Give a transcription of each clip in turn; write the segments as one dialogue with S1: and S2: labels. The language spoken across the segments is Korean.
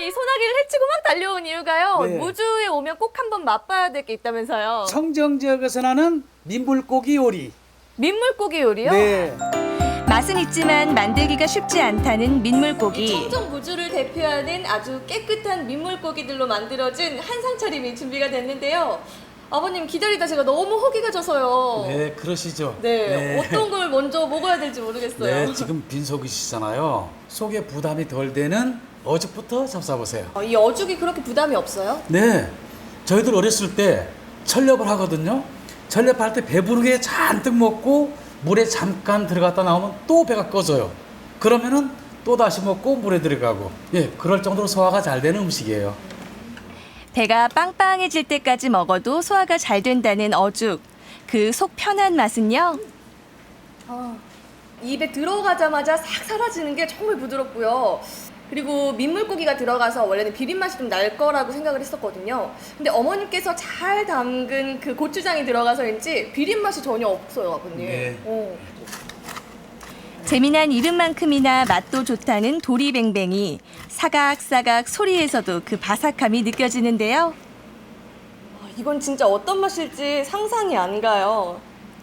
S1: 이 소나기를 헤치고 막 달려온 이유가요.
S2: 네.
S1: 무주에 오면 꼭 한번 맛봐야 될 게 있다면서요.
S2: 청정 지역에서 나는 민물고기 요리.
S1: 민물고기 요리요?
S2: 네.
S3: 맛은 있지만 만들기가 쉽지 않다는
S1: 이
S3: 민물고기.
S1: 청정 무주를 대표하는 아주 깨끗한 민물고기들로 만들어진 한상 차림이 준비가 됐는데요. 아버님 기다리다 제가 너무 허기가 져서요.
S2: 네, 그러시죠.
S1: 네, 어떤 걸 먼저 먹어야 될지 모르겠어요.
S2: 네, 지금 빈속이시잖아요. 속에 부담이 덜 되는 어죽부터 잡숴보세요.
S1: 이 어죽이 그렇게 부담이 없어요?
S2: 네, 저희들 어렸을 때 철렵을 하거든요. 철렵할 때 배부르게 잔뜩 먹고 물에 잠깐 들어갔다 나오면 또 배가 꺼져요. 그러면은 또 다시 먹고 물에 들어가고, 예, 그럴 정도로 소화가 잘 되는 음식이에요.
S3: 배가 빵빵해질 때까지 먹어도 소화가 잘 된다는 어죽. 그 속 편한 맛은요?
S1: 입에 들어가자마자 싹 사라지는 게 정말 부드럽고요. 그리고 민물고기가 들어가서 원래는 비린 맛이 좀 날 거라고 생각을 했었거든요. 근데 어머님께서 잘 담근 그 고추장이 들어가서인지 비린 맛이 전혀 없어요, 아버님.
S2: 네.
S3: 재미난 이름만큼이나 맛도 좋다는 도리뱅뱅이. 사각사각 소리에서도 그 바삭함이 느껴지는데요.
S1: 이건 진짜 어떤 맛일지 상상이 안 가요.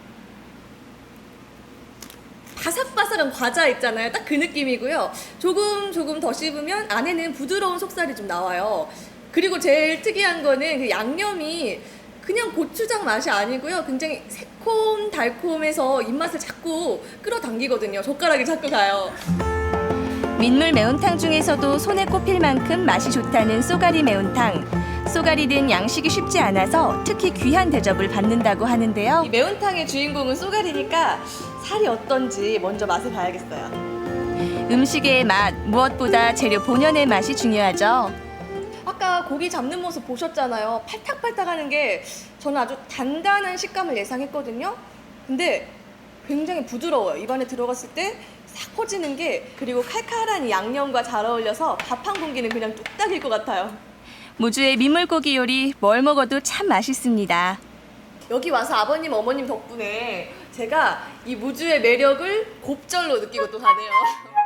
S1: 바삭바삭한 과자 있잖아요. 딱 그 느낌이고요. 조금 더 씹으면 안에는 부드러운 속살이 좀 나와요. 그리고 제일 특이한 거는 그 양념이 그냥 고추장 맛이 아니고요. 굉장히 새콤달콤해서 입맛을 자꾸 끌어당기거든요. 젓가락이 자꾸 가요.
S3: 민물 매운탕 중에서도 손에 꼽힐 만큼 맛이 좋다는 쏘가리 매운탕. 쏘가리는 양식이 쉽지 않아서 특히 귀한 대접을 받는다고 하는데요.
S1: 이 매운탕의 주인공은 쏘가리니까 살이 어떤지 먼저 맛을 봐야겠어요.
S3: 음식의 맛, 무엇보다 재료 본연의 맛이 중요하죠.
S1: 아까 고기 잡는 모습 보셨잖아요. 팔딱팔딱 하는 게 저는 아주 단단한 식감을 예상했거든요. 근데 굉장히 부드러워요. 입안에 들어갔을 때 싹 퍼지는 게, 그리고 칼칼한 이 양념과 잘 어울려서 밥 한 공기는 그냥 뚝딱일 것 같아요.
S3: 무주의 민물고기 요리 뭘 먹어도 참 맛있습니다.
S1: 여기 와서 아버님, 어머님 덕분에 제가 이 무주의 매력을 곱절로 느끼고 또 가네요.